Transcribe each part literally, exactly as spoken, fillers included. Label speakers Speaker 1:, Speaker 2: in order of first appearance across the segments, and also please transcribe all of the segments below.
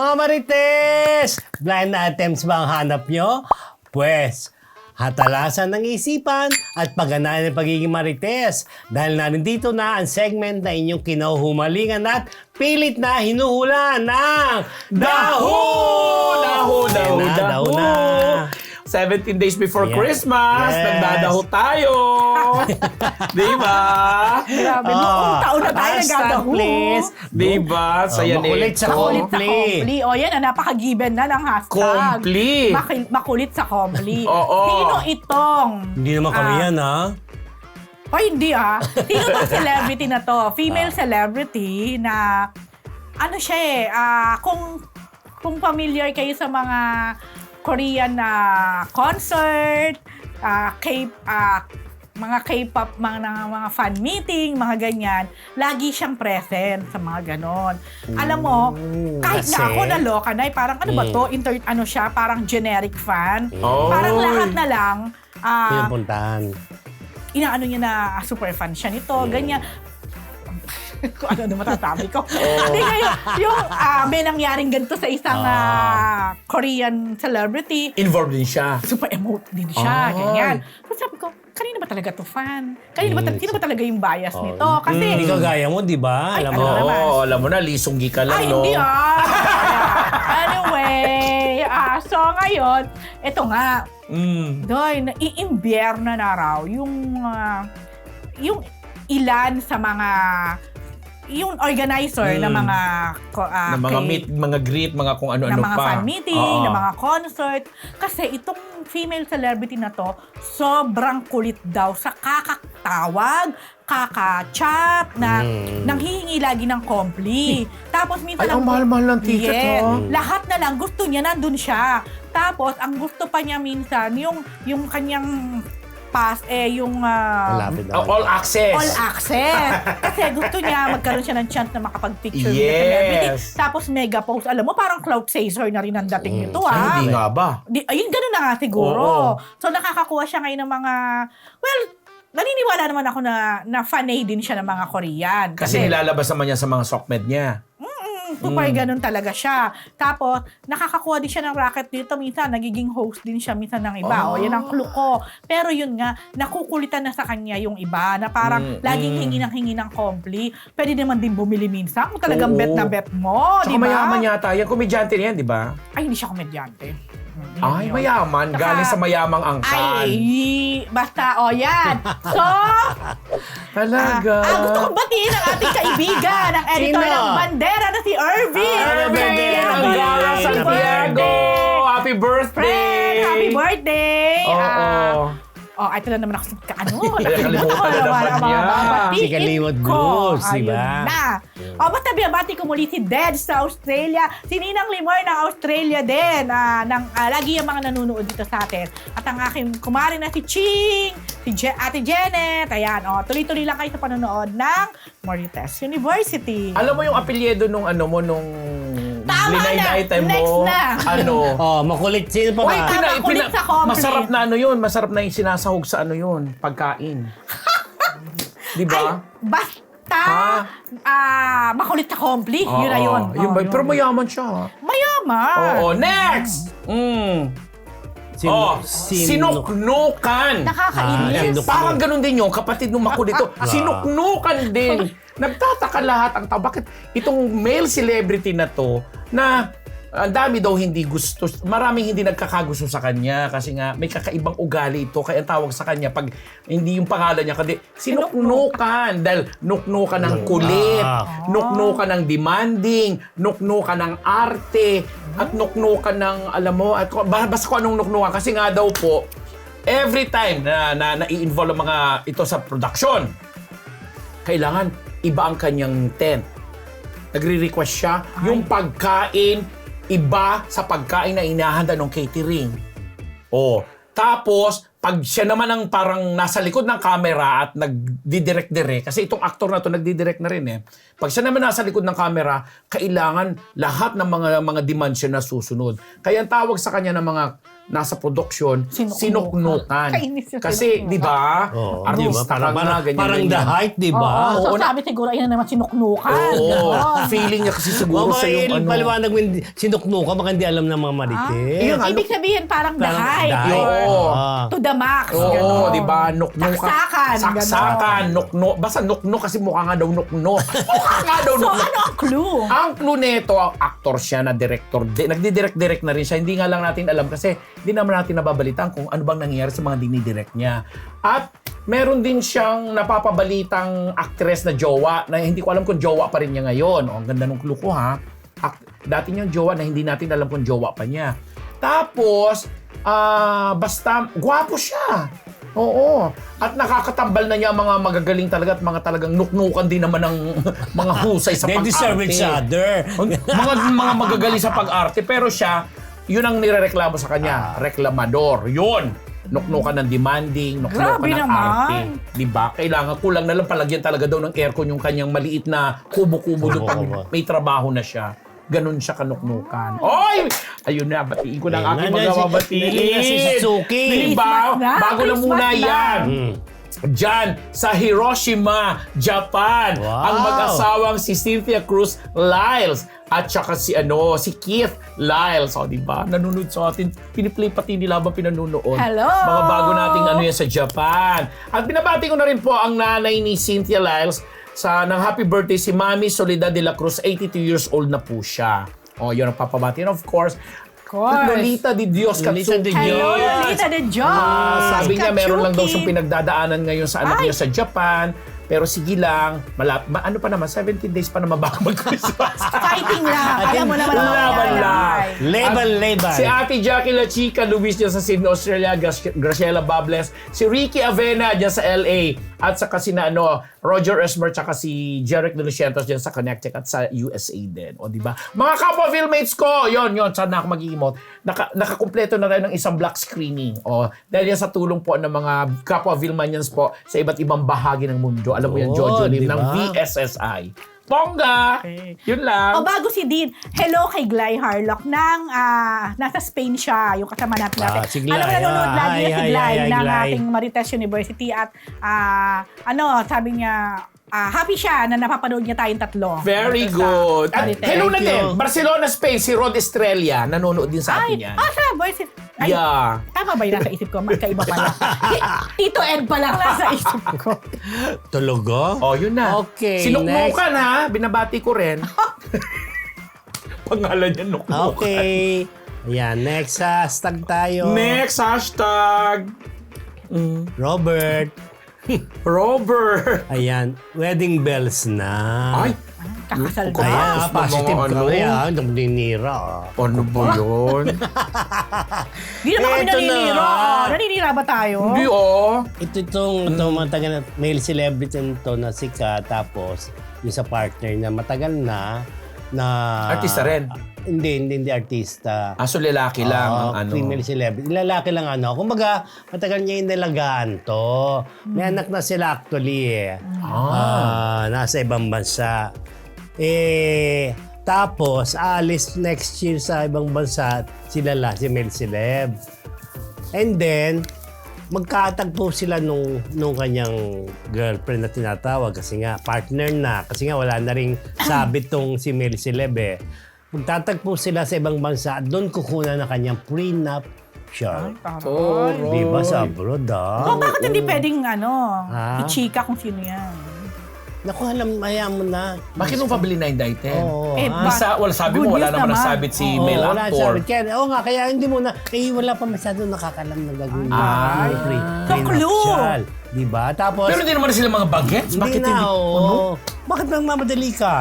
Speaker 1: Mga Marites! Blind items ba ang hanap nyo? Pwes, hatalasan ng isipan at pagganahan ng pagiging Marites. Dahil narindito na ang segment na inyong kinahumalingan at pilit na hinuhula ng Daho!
Speaker 2: Daho, daho,
Speaker 1: Ayan na,
Speaker 2: daho.
Speaker 1: daho na.
Speaker 2: seventeen days before
Speaker 1: Yes.
Speaker 2: Christmas,
Speaker 1: Yes.
Speaker 2: nagdadaho tayo. Di ba?
Speaker 3: Grabe, noong taon na tayo
Speaker 1: hashtag
Speaker 3: nagdadaho.
Speaker 1: please.
Speaker 2: Di ba? Saya
Speaker 1: Oh, makulit sa
Speaker 3: Makulit sa
Speaker 1: Kompli.
Speaker 3: Kompli. O yan, ah, napaka-given na ng hashtag.
Speaker 2: Kompli.
Speaker 3: Maki- makulit sa Kompli.
Speaker 2: Oo.
Speaker 3: Sino itong...
Speaker 1: Hindi naman kami
Speaker 3: Ah.
Speaker 1: yan, ha?
Speaker 3: O hindi ah. Sino itong celebrity na to? Female
Speaker 1: Ah.
Speaker 3: celebrity na... Ano siya eh, ah, kung, kung familiar kayo sa mga Korean na concert, ah, K, ah, mga K-pop, mga, mga fan meeting, mga ganyan, lagi siyang present sa mga ganon. Alam mo, kahit
Speaker 1: kasi?
Speaker 3: na ako naloka na, eh, parang ano ba
Speaker 1: Mm.
Speaker 3: to, inter, ano siya, parang generic fan.
Speaker 2: Oh.
Speaker 3: Parang lahat na lang, ah,
Speaker 1: Pinupuntahan.
Speaker 3: inaano niya na ah, super fan siya nito, ganyan. Kung ano na matatabi ko.
Speaker 2: Oh.
Speaker 3: Hindi ngayon, yung ah, may nangyaring ganito sa isang ah, Korean celebrity,
Speaker 2: Involved din siya.
Speaker 3: super emote din siya,
Speaker 2: Ay.
Speaker 3: ganyan. So sabi ko, kanina ba talaga to fan? Kanina ba,
Speaker 1: Mm.
Speaker 3: sino ba talaga yung bias
Speaker 1: Oh.
Speaker 3: nito? Kasi,
Speaker 1: Hindi ka gaya mo, di ba?
Speaker 3: Ay,
Speaker 1: Alam
Speaker 3: ano
Speaker 1: mo.
Speaker 2: Oo,
Speaker 3: naman?
Speaker 2: alam mo na, lisonggi ka lang,
Speaker 3: ay,
Speaker 2: no?
Speaker 3: hindi ah. Anyway, ah, so ngayon, eto nga,
Speaker 2: Mm.
Speaker 3: Doy, naiimbierna na raw yung ah, yung ilan sa mga yung organizer
Speaker 2: Mm.
Speaker 3: ng mga ko- ah,
Speaker 2: na mga
Speaker 3: kay-
Speaker 2: meet, mga greet, mga kung
Speaker 3: na
Speaker 2: ano-ano
Speaker 3: mga
Speaker 2: pa.
Speaker 3: fan meeting,
Speaker 2: Oo.
Speaker 3: na mga concert. Kasi itong female celebrity na to, sobrang kulit daw sa kakatawag, kaka-chat, na
Speaker 1: Mm.
Speaker 3: nanghihingi lagi ng kompli. Tapos minsan...
Speaker 2: Ay, ang mahal-mahal ng ticket,
Speaker 3: Yes.
Speaker 2: oh.
Speaker 3: Lahat na lang, gusto niya, nandun siya. Tapos, ang gusto pa niya minsan, yung, yung kanyang pass, eh, yung... ah,
Speaker 1: Malapit
Speaker 2: Oh,
Speaker 1: daw.
Speaker 2: all access.
Speaker 3: all access. Kasi gusto niya magkaroon siya ng chance na makapag-picture with the
Speaker 2: Yes.
Speaker 3: celebrity. Tapos mega post. Alam mo, parang cloud chaser na rin ang dating nito,
Speaker 2: Ay,
Speaker 3: ah.
Speaker 2: hindi nga ba?
Speaker 3: Di, ayun, ganun na nga siguro.
Speaker 2: Oo.
Speaker 3: So, nakakakuha siya ngayon ng mga... Well, naniniwala naman ako na, na fanay din siya ng mga Korean.
Speaker 2: Kasi nilalabas naman niya sa mga sockmed niya.
Speaker 3: Super ganun talaga siya. Tapos, nakakakuha din siya ng racket dito. Minsan, nagiging host din siya minsan ng iba.
Speaker 2: Oh.
Speaker 3: O, yan ang clue ko. Pero yun nga, nakukulitan na sa kanya yung iba na parang
Speaker 2: Mm,
Speaker 3: laging
Speaker 2: mm.
Speaker 3: hingi ng hingi ng kompli. Pwede naman din bumili minsan kung talagang
Speaker 2: Oo.
Speaker 3: bet na bet mo.
Speaker 2: Tsaka
Speaker 3: Di ba?
Speaker 2: mayaman yata yan. Komedyante na yan, di ba?
Speaker 3: Ay, hindi siya komedyante. Hmm, yun
Speaker 2: Ay,
Speaker 3: yun.
Speaker 2: mayaman.
Speaker 3: Tsaka-
Speaker 2: Galing sa mayamang angkan.
Speaker 3: Ay, basta, o yan. So,
Speaker 2: Talaga.
Speaker 3: Ah, gusto kong batiin ang ating kaibigan, ang editor
Speaker 1: Sino?
Speaker 3: ng Bandera na si Irvin.
Speaker 1: Ah, Bandera,
Speaker 2: Angara
Speaker 1: Happy
Speaker 2: Santiago! Happy birthday!
Speaker 3: Friend, happy birthday!
Speaker 2: Oo.
Speaker 3: Ah, oh, ito na naman ako sa ano.
Speaker 2: Nakalimutan na naman niya.
Speaker 1: Si Kalimot Blues, di ba?
Speaker 3: Na. O, basta binabati ko muli si Ded sa Australia. Si Ninang Limor ng Australia din. Ah, ng, ah, lagi yung mga nanonood dito sa atin. At ang aking kumari na si Ching, si Je- Ate Janet. Ayan, oh, tuloy-tuloy lang kayo sa panonood ng Marites University.
Speaker 2: Alam mo yung apelyido nung ano mo, nung
Speaker 3: Tama
Speaker 2: blind
Speaker 3: na!
Speaker 2: item mo?
Speaker 3: Next na!
Speaker 2: Ano?
Speaker 1: Oh, makulit. Sino pa
Speaker 3: Uy,
Speaker 1: ba?
Speaker 3: tama, kulit sa company.
Speaker 2: masarap na ano yun. Masarap na yung sinasahog sa ano yun. Pagkain. Di ba?
Speaker 3: Basta,
Speaker 2: Ha?
Speaker 3: ah, makulit sa kompli. Yun na yun.
Speaker 2: Yun
Speaker 3: Oh,
Speaker 2: ba?
Speaker 3: yun.
Speaker 2: Pero mayaman siya. ha?
Speaker 3: Mayaman.
Speaker 2: Oo. Next! Mm.
Speaker 1: Sin-
Speaker 2: oh,
Speaker 1: sin-
Speaker 2: sinuknukan.
Speaker 3: Nakakainis.
Speaker 1: Ah,
Speaker 2: Parang ganun din yung kapatid ng makulito.
Speaker 1: Ah.
Speaker 2: Sinuknukan din. Nagtataka lahat ang tao. Bakit itong male celebrity na to na ang dami daw hindi gusto, maraming hindi nagkakagusto sa kanya kasi nga may kakaibang ugali ito. Kaya ang tawag sa kanya pag hindi yung pangalan niya, kundi sinuknukan. Dahil nuknukan ng kulit,
Speaker 1: Ah.
Speaker 2: nuknukan ng demanding, nuknukan ng arte, at nuknukan ng, alam mo, at basta kung anong nuknukan. Kasi nga daw po, every time na, na, na-i-involve ang mga ito sa production, kailangan iba ang kanyang tent. Nagre-request siya, yung pagkain, iba sa pagkain na inahanda ng catering. Oh, tapos, pag siya naman ang parang nasa likod ng camera at nagdidirect-direct, kasi itong actor na to nagdidirect na rin eh. Pag siya naman nasa likod ng camera, kailangan lahat ng mga mga demands siya na susunod. Kaya ang tawag sa kanya ng mga nasa production,
Speaker 3: Sinuknukan.
Speaker 2: sinuknukan.
Speaker 3: Kainis yung
Speaker 2: Kasi,
Speaker 3: sinuknukan.
Speaker 2: di ba?
Speaker 1: Oo, di ba?
Speaker 2: Artista ka
Speaker 1: Parang,
Speaker 2: nga,
Speaker 1: parang,
Speaker 2: ganyan,
Speaker 1: parang
Speaker 2: ganyan.
Speaker 1: the height, di ba?
Speaker 3: Oo, so
Speaker 2: Oo, na-
Speaker 3: sabi siguro, ayun na naman sinuknukan.
Speaker 2: Oo.
Speaker 3: Ganon.
Speaker 2: Feeling niya kasi siguro
Speaker 1: Oh,
Speaker 2: sa yung ano.
Speaker 1: paliwanag mo, hindi- sinuknukan, baka hindi alam ng mga marites.
Speaker 2: Yun, ano?
Speaker 3: Ibig sabihin parang the
Speaker 1: Parang
Speaker 3: height.
Speaker 1: the height.
Speaker 3: or
Speaker 2: Oo.
Speaker 1: Ah.
Speaker 3: To the max.
Speaker 2: Oo,
Speaker 3: ganon.
Speaker 2: di ba? Nuknuk.
Speaker 3: Saksakan.
Speaker 2: Saksakan. Nuknuk. Basta nuknuk kasi mukha nga daw nuknuk. Mukha nga daw
Speaker 3: So,
Speaker 2: nuknuk.
Speaker 3: ano ang clue?
Speaker 2: Ang clue nito, actor siya na director. Di, nagdi-direct-direct na rin siya. Hindi nga lang natin alam kasi hindi naman natin nababalitaan kung ano bang nangyayari sa mga dinidirect niya. At meron din siyang napapabalitang actress na jowa na hindi ko alam kung jowa pa rin niya ngayon. O, ang ganda ng clue ko ha. Ak- dati niyang jowa na hindi natin alam kung jowa pa niya. Tapos, ah basta, gwapo siya. Oo. At nakakatambal na niya ang mga magagaling talaga at mga talagang nuknukan din naman ng mga husay sa
Speaker 1: They
Speaker 2: pag-arte.
Speaker 1: deserve each other.
Speaker 2: mga mga magagaling sa pag-arte. Pero siya, yun ang nirereklamo sa kanya. Reklamador. Yun. Nuknukan ng demanding, nuknukan
Speaker 3: Grabe
Speaker 2: ng
Speaker 3: naman.
Speaker 2: arte. Diba? Kailangan kulang na lang palagyan talaga daw ng aircon yung kanyang maliit na kubo-kubo doon pag
Speaker 1: Kubo-kubo.
Speaker 2: may trabaho na siya. Ganun siya kanuknukan. Oy! Ayun na, batiin ko na ang aking
Speaker 1: Ayun na,
Speaker 2: mga
Speaker 1: si-
Speaker 2: babatiin.
Speaker 1: ayun na si Suzuki.
Speaker 2: Diba?
Speaker 3: Christmas na,
Speaker 2: Bago na muna
Speaker 3: Christmas na.
Speaker 2: yan.
Speaker 1: Hmm.
Speaker 2: Diyan sa Hiroshima, Japan,
Speaker 1: Wow.
Speaker 2: ang mag-asawang si Cynthia Cruz Lyles at saka si ano si Keith Lyles. O, di ba? Nanonood sa atin. Piniplay pati nila habang pinanunood.
Speaker 3: Hello!
Speaker 2: Mga bago nating ano yan sa Japan. At binabati ko na rin po ang nanay ni Cynthia Lyles sa ng happy birthday si Mami Soledad de la Cruz. eighty-two years old na po siya. O, yun ang papabati. And of course,
Speaker 3: course.
Speaker 2: Lolita de Dios
Speaker 1: Lolita de
Speaker 2: Katsuki.
Speaker 3: Hello,
Speaker 1: Yes.
Speaker 3: Lolita de Dios.
Speaker 2: Ah, sabi niya meron lang daw siyang
Speaker 3: Katsuki.
Speaker 2: pinagdadaanan ngayon sa anak
Speaker 3: Ay.
Speaker 2: niya sa Japan. Pero sige lang, malap, ma, ano pa naman, seventeen days pa naman bago mag-Christmas.
Speaker 3: Fighting lang. Alam mo naman ang
Speaker 2: Laban
Speaker 3: mangyayari.
Speaker 2: lang.
Speaker 1: Leban,
Speaker 2: At
Speaker 1: leban.
Speaker 2: Si Ate Jackie La Chica, Luis dyan sa Sydney, Australia, Grac- Graciela Bables, si Ricky Avena dyan sa L A, at saka si na, ano, Roger Esmer, tsaka si Jeric De Lucientos dyan sa Connecticut at sa U S A din. O, di ba? Mga kapwa filmmates ko, yon yon saan na ako mag-emote. Naka, nakakumpleto na rin ng isang black screening. O, dahil yan sa tulong po ng mga kapwa Vilmanians po sa iba't ibang bahagi ng mundo. Alam mo yan,
Speaker 1: Oh,
Speaker 2: Jojo Lim
Speaker 1: di ba?
Speaker 2: ng V S S I. Bongga!
Speaker 3: Okay.
Speaker 2: Yun lang.
Speaker 3: O bago si Dean, hello kay Gly Harlock ng ah, nasa Spain siya, yung kasama natin natin.
Speaker 1: Ah, si Gly.
Speaker 3: Alam mo, nanonood
Speaker 1: Ah,
Speaker 3: lagi
Speaker 1: hi,
Speaker 3: na si
Speaker 1: hi,
Speaker 3: Gly
Speaker 1: hi, hi,
Speaker 3: ng
Speaker 1: Gly.
Speaker 3: ating Marites University at ah, ano, sabi niya, ah, happy siya na napapanood niya tayong tatlo.
Speaker 2: Very
Speaker 3: Dito sa
Speaker 2: good. At
Speaker 3: Marites.
Speaker 2: hello na
Speaker 1: Thank
Speaker 2: din,
Speaker 1: you.
Speaker 2: Barcelona, Spain, si Rod Estrella, nanonood din sa
Speaker 3: Ay,
Speaker 2: atin yan.
Speaker 3: ah, sa voice. Ay,
Speaker 2: Yeah.
Speaker 3: tama ba yun nasa isip ko? Magkaiba pala. Tito Ed pa lang nasa isip ko.
Speaker 1: Tulogo?
Speaker 2: Oh, yun na.
Speaker 1: Okay,
Speaker 2: Sinuknukan ha, binabati ko rin. Pangalan niya, nuknukan.
Speaker 1: Okay. Ayan, next hashtag tayo.
Speaker 2: Next hashtag.
Speaker 1: Robert.
Speaker 2: Robert.
Speaker 1: Ayan, wedding bells na.
Speaker 2: Ay,
Speaker 3: Kakasal
Speaker 2: Kaya-
Speaker 3: ba?
Speaker 1: Ayan,
Speaker 2: Tapos
Speaker 1: ah, positive
Speaker 2: mga
Speaker 1: ka
Speaker 2: ano?
Speaker 1: kaya. Ang ninira. ah.
Speaker 2: ano ba yun?
Speaker 3: Di naman kami
Speaker 1: Eto na.
Speaker 3: naninira. Ah, Naninira ba tayo?
Speaker 2: Hindi oh.
Speaker 1: Ito itong ito, matagal na male celebrity to na sikat, tapos yung sa partner na matagal na na
Speaker 2: Artista rin?
Speaker 1: Ah, hindi, hindi, hindi artista.
Speaker 2: Aso lalaki lang
Speaker 1: Oo,
Speaker 2: ang ano.
Speaker 1: female celebrity. Lalaki lang ano. Kumbaga, matagal niya yung nalagaan to. May anak na sila actually eh. Ah, nasa ibang bansa. Eh, tapos, alis next year sa ibang bansa, sila la, si male celeb. And then, magkatagpo sila nung, nung kanyang girlfriend na tinatawag kasi nga partner na. Kasi nga wala na ring sabit tong si male celeb eh. Magtatagpo sila sa ibang bansa at doon kukunan na kanyang prenup siya.
Speaker 2: Oh,
Speaker 1: Di ba sa abroad ah?
Speaker 3: Oh, bakit hindi pwedeng ano,
Speaker 1: Ah?
Speaker 3: i-chika kung sino yan?
Speaker 1: Naku, alam, ayaw mo na.
Speaker 2: Bakit mo pabili na yung item?
Speaker 1: Oo.
Speaker 3: Eh,
Speaker 1: ah.
Speaker 3: ba-
Speaker 2: Isa, wala, sabi
Speaker 3: Good
Speaker 2: mo, wala
Speaker 3: news
Speaker 2: naman
Speaker 3: naman.
Speaker 2: nasabit si
Speaker 1: Oo,
Speaker 2: male
Speaker 1: wala
Speaker 2: actor.
Speaker 1: sabit. Kaya, oo nga, kaya hindi mo na, eh, wala pa masyado nakakalam na gagawin.
Speaker 2: Ah.
Speaker 1: Yung pre-
Speaker 3: So,
Speaker 1: prenuptial. Di ba? Tapos,
Speaker 2: Pero hindi naman sila mga bagets.
Speaker 1: hindi
Speaker 2: Bakit
Speaker 1: na,
Speaker 2: hindi?
Speaker 1: oo.
Speaker 2: Ano?
Speaker 1: Bakit nang mamadali ka?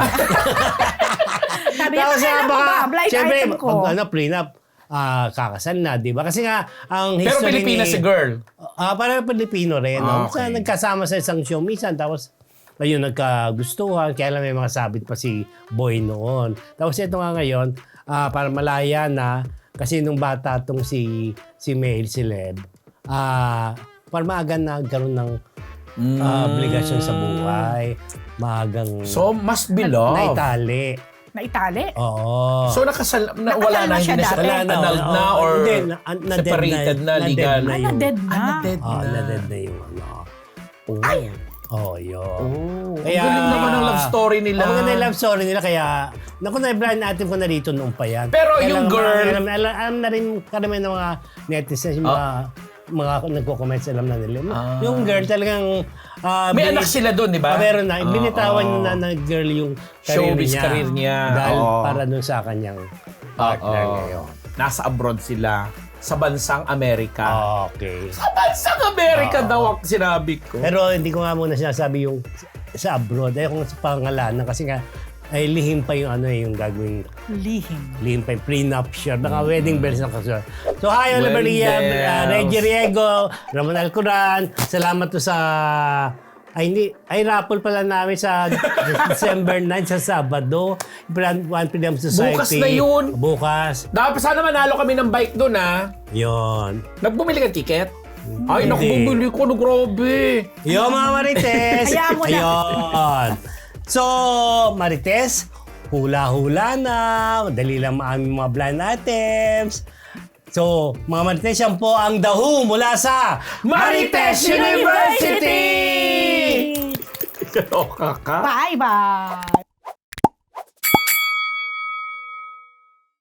Speaker 3: Sabi niya,
Speaker 1: Tapos,
Speaker 3: kailan
Speaker 1: ah,
Speaker 3: mo ba?
Speaker 1: baka,
Speaker 3: Blind
Speaker 1: syempre,
Speaker 3: item ko.
Speaker 1: pag ano, prenup, ah, kakasal na, di ba? Kasi nga, ang
Speaker 2: Pero
Speaker 1: history
Speaker 2: Pilipinas
Speaker 1: ni...
Speaker 2: si girl.
Speaker 1: Ah, para Pilipino rin.
Speaker 2: Ah,
Speaker 1: no? Sa
Speaker 2: okay.
Speaker 1: nagkasama sa isang show minsan, tapos ayun, nagkagustuhan. Kaya lang may mga sabit pa si Boy noon. Tapos ito nga ngayon, ah, para malaya na, kasi nung bata tong si, si male celeb, ah, para maaga na nagkaroon ng ah, obligasyon sa buhay. Maagang
Speaker 2: So, must be love.
Speaker 1: naitali.
Speaker 3: na itali.
Speaker 1: Oo.
Speaker 2: So nakasal na,
Speaker 3: Nakasal
Speaker 2: wala
Speaker 3: na
Speaker 2: na,
Speaker 3: siya
Speaker 2: hindi na
Speaker 3: dati.
Speaker 2: siya
Speaker 1: Wala na,
Speaker 2: annulled
Speaker 1: oo.
Speaker 2: na or
Speaker 1: Hindi, na- na- na-dead
Speaker 2: separated
Speaker 1: na-
Speaker 2: na,
Speaker 1: na-dead
Speaker 2: legal.
Speaker 1: na
Speaker 3: Ah,
Speaker 1: yung-
Speaker 3: na-dead na.
Speaker 2: Ah, na-dead
Speaker 1: Oo,
Speaker 2: na.
Speaker 1: na-dead na yung ano.
Speaker 2: Oh.
Speaker 3: Ay!
Speaker 1: Oh, yun.
Speaker 2: Oh, ang galing naman ang love story nila.
Speaker 1: Ang maganda yung love story nila, kaya, naku, na-blind natin ko na rito noon pa yan.
Speaker 2: Pero
Speaker 1: Kaya
Speaker 2: yung
Speaker 1: lang,
Speaker 2: girl-
Speaker 1: Alam, alam, alam na rin karamihan ng mga netizens, yung mga, mga nagko-comments, alam na nila.
Speaker 2: Ah.
Speaker 1: Yung girl talagang... ah,
Speaker 2: May
Speaker 1: binit-
Speaker 2: anak sila doon, di ba?
Speaker 1: Ah, meron na.
Speaker 2: Ah,
Speaker 1: Binitawan
Speaker 2: oo.
Speaker 1: na ng girl yung career
Speaker 2: Showbiz
Speaker 1: niya.
Speaker 2: career niya.
Speaker 1: Dahil
Speaker 2: Oo.
Speaker 1: para dun sa kanyang partner
Speaker 2: Oo.
Speaker 1: ngayon.
Speaker 2: Nasa abroad sila. Sa bansang Amerika.
Speaker 1: Okay.
Speaker 2: Sa bansang Amerika
Speaker 1: Oo.
Speaker 2: daw ang sinabi ko.
Speaker 1: Pero hindi ko nga muna sinasabi yung sa abroad. Ayaw kung sa pangalanan kasi nga ay lihim pa yung ano eh, yung gagawing
Speaker 3: Lihim.
Speaker 1: lihim pa yung prenuptial, baka wedding bells na kasunod. So hi, Oliver
Speaker 2: Wedding
Speaker 1: Liam, uh,
Speaker 2: bells.
Speaker 1: Reggie Riego, Ramon Alcoran, salamat to sa ay hindi, ay raffle pala namin sa December ninth sa Sabado, One Freedom Society.
Speaker 2: Bukas na yun.
Speaker 1: Bukas.
Speaker 2: Dapat sana manalo kami ng bike doon, ha?
Speaker 1: Yun.
Speaker 2: Nagbumili ka ticket? Ay, naku,
Speaker 1: Hindi.
Speaker 2: bumili ko. No, grabe.
Speaker 1: Yo mga Marites!
Speaker 3: Hayaan mo na.
Speaker 1: Ayun. So, Marites, hula-hula na. Madali lang ang aming mga blind items. So, mga Marites, yan po ang The Who mula sa Marites University!
Speaker 2: Kaloka ka.
Speaker 3: Bye-bye!